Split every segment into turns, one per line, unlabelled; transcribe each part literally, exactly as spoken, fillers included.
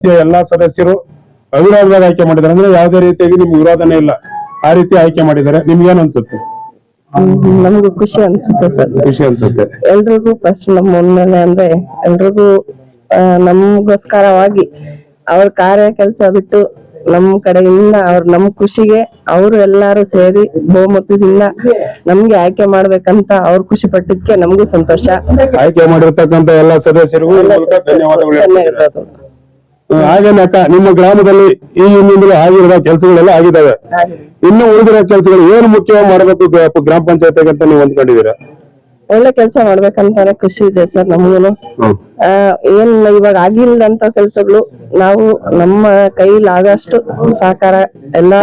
ಎಲ್ಲಾ ಸದಸ್ಯರು ಅವಿರೋಧವಾಗಿ ಆಯ್ಕೆ ಮಾಡಿದ್ದಾರೆ ಅಂದ್ರೆ ಯಾವುದೇ ರೀತಿಯಾಗಿ ನಿಮ್ಗೆ ವಿರೋಧನೆ ಇಲ್ಲ, ಆ ರೀತಿ ಆಯ್ಕೆ ಮಾಡಿದ್ದಾರೆ. ನಿಮ್ಗೇನ್ ಅನ್ಸುತ್ತೆ?
ನಮಗೂ ಖುಷಿ ಅನ್ಸುತ್ತೆ ಸರ್.
ಖುಷಿ ಅನ್ಸುತ್ತೆ.
ಎಲ್ರಿಗೂ ಫಸ್ಟ್ ನಮ್ಮ ಮುನ್ನೆಲೆ ಅಂದ್ರೆ ಎಲ್ರಿಗೂ ನಮಗೋಸ್ಕರವಾಗಿ ಅವ್ರ ಕಾರ್ಯ ಕೆಲಸ ಬಿಟ್ಟು ನಮ್ ಕಡೆಯಿಂದ ಅವ್ರ ನಮ್ ಖುಷಿಗೆ ಅವರು ಎಲ್ಲಾರು ಸೇರಿ ಬಹುಮತದಿಂದ ನಮ್ಗೆ ಆಯ್ಕೆ ಮಾಡ್ಬೇಕಂತ ಅವ್ರು ಖುಷಿ ಪಟ್ಟಿದ್ಕೆ ನಮಗೂ ಸಂತೋಷ.
ಆಯ್ಕೆ ಮಾಡಿರ್ತಕ್ಕಂತ ಎಲ್ಲಾ ಸದಸ್ಯರಿಗೂ ಧನ್ಯವಾದಗಳು. ಹಾಗೇನೆ ಅಕ್ಕ, ನಿಮ್ಮ ಗ್ರಾಮದಲ್ಲಿ ಈ ಹಿಂದಿಂದಲೂ ಆಗಿರುವ ಕೆಲಸಗಳೆಲ್ಲ ಆಗಿದ್ದಾವೆ. ಇನ್ನು ಉಳಿದಿರೋ ಕೆಲಸಗಳು ಏನು ಮುಖ್ಯವಾಗಿ ಮಾಡಬೇಕು ಗ್ರಾಮ ಪಂಚಾಯತ್ ಅಂತ ನೀವು ಅಂದ್ಕೊಂಡಿದ್ದೀರಾ?
ಒಳ್ಳೆ ಕೆಲಸ ಮಾಡ್ಬೇಕಂತಾನೆ ಖುಷಿ ಇದೆ ಸರ್ ನಮಗೂನು. ಆ ಏನ್ ಇವಾಗ ಆಗಿಲ್ಲದಂತ ಕೆಲ್ಸಗಳು ನಾವು ನಮ್ಮ ಕೈಲಾಗಷ್ಟು ಸಹಕಾರ ಎಲ್ಲ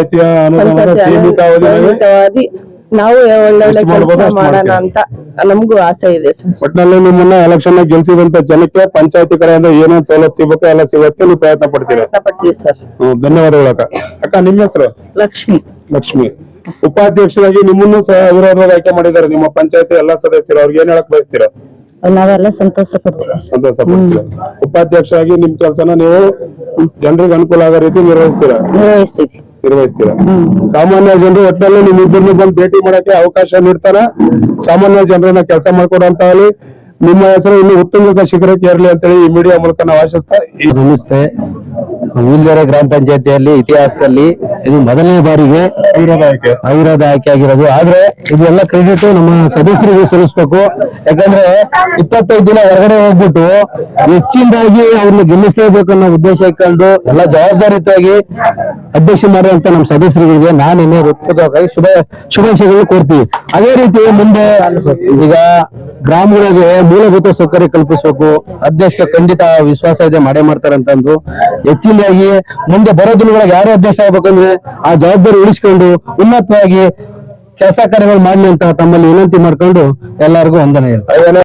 ಸೀಮಿತವಾದಿ ನಾವು ಒಳ್ಳೊಳ್ಳೆ ಕೆಲಸ ಮಾಡೋಣ ಅಂತ ನಮಗೂ ಆಸೆ ಇದೆ ಸರ್.
ಒಟ್ಟಿನಲ್ಲಿ ನಿಮ್ಮನ್ನ ಎಲೆಕ್ಷನ್ ಗೆಲ್ಸಿದಂತ ಜನಕ್ಕೆ ಪಂಚಾಯತಿ ಕಡೆಯಿಂದ ಏನೇನ್ ಸವಲತ್ತು ಸಿಗಬೇಕು ಎಲ್ಲ ಸಿಗೋದಕ್ಕೆ ನೀವು ಪ್ರಯತ್ನ ಪಡ್ತೀರಾ?
ಪಡ್ತೀವಿ ಸರ್.
ಧನ್ಯವಾದಗಳು ಅಕ್ಕ. ಅಕ್ಕ ನಿಮ್ಮ ಹೆಸರು?
ಲಕ್ಷ್ಮಿ.
ಲಕ್ಷ್ಮಿ. ಉಪಾಧ್ಯಕ್ಷರಾಗಿ ನಿಮ್ಮನ್ನು ಸಹ ವಿರೋಧವಾಗಿ ಆಯ್ಕೆ ಮಾಡಿದ್ದಾರೆ ನಿಮ್ಮ ಪಂಚಾಯತಿ ಎಲ್ಲಾ ಸದಸ್ಯರು. ಅವ್ರಿಗೆ ಏನ್ ಹೇಳಕ್ ಬಯಸ್ತೀರಾ?
ನಾವೆಲ್ಲ ಸಂತೋಷ ಪಡ್ತೀವಿ.
ಸಂತೋಷ ಪಡ್ತೀರಾ? ಉಪಾಧ್ಯಕ್ಷರಾಗಿ ನಿಮ್ ಕೆಲಸನ ನೀವು ಜನರಿಗೆ ಅನುಕೂಲ ಆಗೋ ರೀತಿ ನಿರ್ವಹಿಸ್ತೀರಾ?
ನಿರ್ವಹಿಸ್ತೀವಿ
ನಿರ್ವಹಿಸ್ತೀರಾ ಸಾಮಾನ್ಯ ಜನರು ಒಟ್ಟಿನಲ್ಲಿ ನಿಮ್ ಇಬ್ಬರನ್ನು ಬಂದು ಭೇಟಿ ಮಾಡಕ್ಕೆ ಅವಕಾಶ ನೀಡ್ತಾರ. ಸಾಮಾನ್ಯ ಜನರನ್ನ ಕೆಲಸ ಮಾಡ್ಕೊಡಂತ ಹೇಳಿ ನಿಮ್ಮ ಹೆಸರು ಇನ್ನು ಉತ್ತುಂಗ ಶಿಖರಕ್ಕೆ ಏರ್ಲಿ ಅಂತ ಹೇಳಿ ಈ ಮೀಡಿಯಾ ಮೂಲಕ ನಾವು ಆಶಿಸ್ತಾ
ನಮಸ್ತೆ. ಉಲ್ಗೆರೆ ಗ್ರಾಮ ಪಂಚಾಯತಿಯಲ್ಲಿ ಇತಿಹಾಸದಲ್ಲಿ ಇದು ಮೊದಲನೇ ಬಾರಿಗೆ
ಅವಿರೋಧ ಆಯ್ಕೆ
ಅವಿರೋಧ ಆಯ್ಕೆ ಆಗಿರೋದು. ಆದ್ರೆ ಇದೆಲ್ಲ ಕ್ರೆಡಿಟ್ ನಮ್ಮ ಸದಸ್ಯರಿಗೆ ಸಲ್ಲಿಸಬೇಕು. ಯಾಕಂದ್ರೆ ಇಪ್ಪತ್ತೈದು ದಿನ ಹೊರಗಡೆ ಹೋಗ್ಬಿಟ್ಟು ಹೆಚ್ಚಿನದಾಗಿ ಅವ್ರನ್ನ ಗೆಲ್ಲಿಸಲೇಬೇಕು ಅನ್ನೋ ಉದ್ದೇಶ ಇಟ್ಕೊಂಡು ಎಲ್ಲ ಜವಾಬ್ದಾರಿಯುತವಾಗಿ ಅಧ್ಯಕ್ಷ ಮಾಡುವಂತ ನಮ್ಮ ಸದಸ್ಯರಿಗೆ ನಾನೇನೆ ಹೃತ್ಪೂರ್ವಕವಾಗಿ ಶುಭ ಶುಭಾಶಯಗಳು ಕೋರ್ತೀವಿ. ಅದೇ ರೀತಿ ಮುಂದೆ ಈಗ ಗ್ರಾಮಗಳಿಗೆ ಮೂಲಭೂತ ಸೌಕರ್ಯ ಕಲ್ಪಿಸಬೇಕು. ಅಧ್ಯಕ್ಷ ಖಂಡಿತ ವಿಶ್ವಾಸ ಇದೆ ಮಾಡೇ ಮಾಡ್ತಾರಂತಂದು ಹೆಚ್ಚಿನದಾಗಿ ಮುಂದೆ ಬರೋ ದಿನಗಳಿಗೆ ಯಾರೇ ಅಧ್ಯಕ್ಷ ಆಗ್ಬೇಕಂದ್ರೆ ಆ ಜವಾಬ್ದಾರಿ ಉಳಿಸ್ಕೊಂಡು ಉನ್ನತವಾಗಿ ಕೆಲಸ ಕಾರ್ಯಗಳು ಮಾಡ್ಲಿ ಅಂತ ತಮ್ಮಲ್ಲಿ ವಿನಂತಿ ಮಾಡ್ಕೊಂಡು ಎಲ್ಲರಿಗೂ ವಂದನೆ ಹೇಳ್ತಾರೆ.